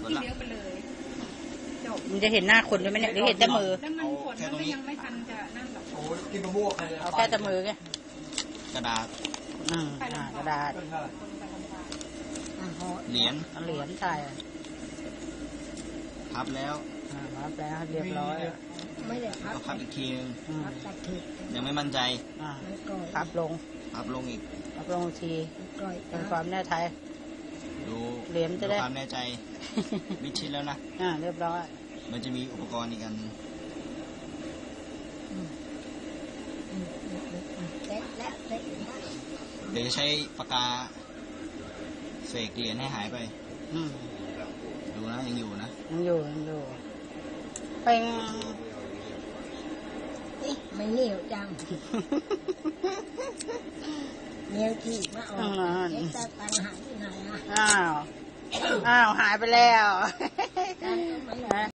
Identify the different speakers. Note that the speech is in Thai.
Speaker 1: ที่เลี้ยวไปเลยจบ
Speaker 2: มันจะเห็นหน้าคนด้วยไหมเนี่ยหรือเห็นแต่มือ
Speaker 1: แล้วมันฝนมันก็ยังไม่ทันจะนั่นหรอก
Speaker 3: โอ้กินมะม่วง
Speaker 2: เอาแค่แต่มือไง
Speaker 4: กระดาษ
Speaker 2: กระดาษ
Speaker 4: เหรียญ
Speaker 2: ใช่
Speaker 4: พับแล้ว
Speaker 2: พับแล้วเรียบร้อย
Speaker 5: ไม่ได้
Speaker 4: ก็พับอีกทีนึง
Speaker 5: ยั
Speaker 4: งไม่มั่นใจ
Speaker 2: พับลง
Speaker 4: อีก
Speaker 2: พับลงทีเป็นความแน่ใจ
Speaker 4: ดู
Speaker 2: เหรียญจะได้
Speaker 4: ความแน่ใจวิชิตแล้วนะ
Speaker 2: เรียบร้อย
Speaker 4: มันจะมีอุปกรณ์อีกอันเดี๋ยวจะใช้ปากกาเสกเหรียญให้หายไปดูนะยังอยู่นะ
Speaker 2: ยังอยู่เป็น
Speaker 5: ไม่เหนียวจังเหนียวที่มาออกแต่ปัญหาที่ไหนอ่ะ
Speaker 2: อ้าวหายไปแล้ว